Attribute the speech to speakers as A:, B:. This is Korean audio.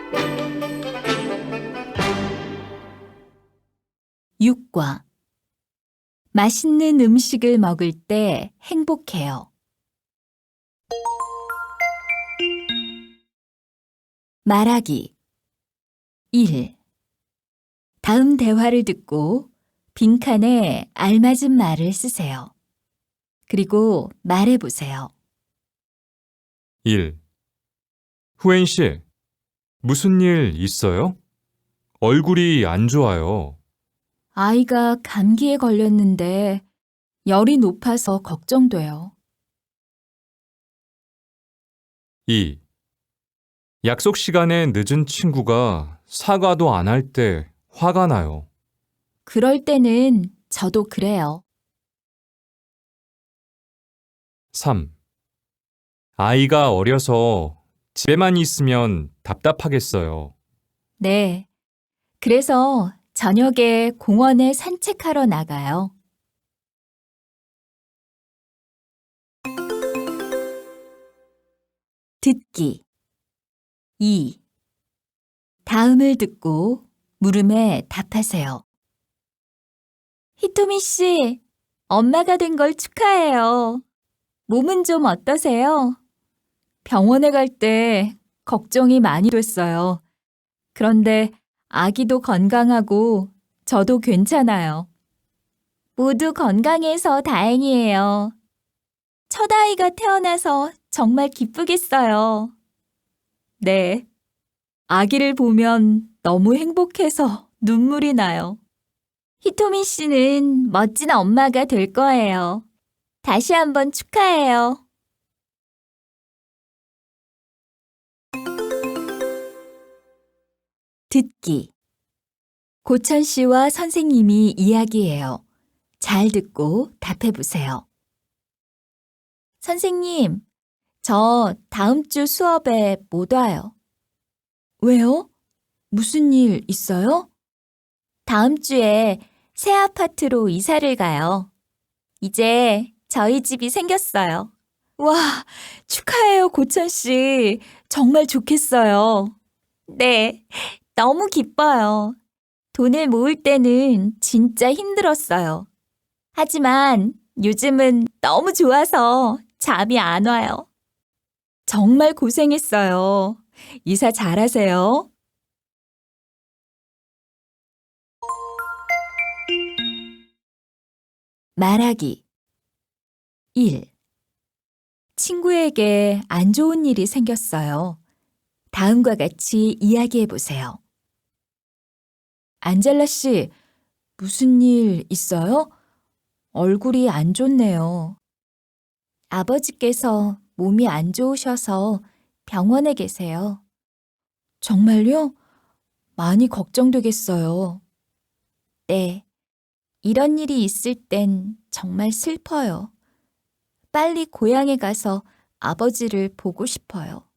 A: 6과 맛있는 음식을 먹을 때 행복해요. 말하기 1. 다음 대화를 듣고 빈칸에 알맞은 말을 쓰세요. 그리고 말해보세요.
B: 1. 후엔 씨, 무슨 일 있어요? 얼굴이 안 좋아요.
A: 아이가 감기에 걸렸는데 열이 높아서 걱정돼요.
B: 2. 약속 시간에 늦은 친구가 사과도 안 할 때 화가 나요.
A: 그럴 때는 저도 그래요.
B: 3. 아이가 어려서 집에만 있으면 답답하겠어요.
A: 네. 그래서 저녁에 공원에 산책하러 나가요. 듣기 2. 다음을 듣고 물음에 답하세요. 히토미 씨, 엄마가 된 걸 축하해요. 몸은 좀 어떠세요? 병원에 갈 때 걱정이 많이 됐어요. 그런데 아기도 건강하고 저도 괜찮아요. 모두 건강해서 다행이에요. 첫 아이가 태어나서 정말 기쁘겠어요. 네. 아기를 보면 너무 행복해서 눈물이 나요. 히토미 씨는 멋진 엄마가 될 거예요. 다시 한번 축하해요. 듣기. 고천 씨와 선생님이 이야기해요. 잘 듣고 답해 보세요. 선생님, 저 다음 주 수업에 못 와요. 왜요? 무슨 일 있어요? 다음 주에 새 아파트로 이사를 가요. 이제 저희 집이 생겼어요. 와, 축하해요, 고천 씨. 정말 좋겠어요. 네, 너무 기뻐요. 돈을 모을 때는 진짜 힘들었어요. 하지만 요즘은 너무 좋아서 잠이 안 와요. 정말 고생했어요. 이사 잘하세요. 말하기 1. 친구에게 안 좋은 일이 생겼어요. 다음과 같이 이야기해 보세요. 안젤라 씨, 무슨 일 있어요? 얼굴이 안 좋네요. 아버지께서 몸이 안 좋으셔서 병원에 계세요. 정말요? 많이 걱정되겠어요. 네. 이런 일이 있을 땐 정말 슬퍼요. 빨리 고향에 가서 아버지를 보고 싶어요.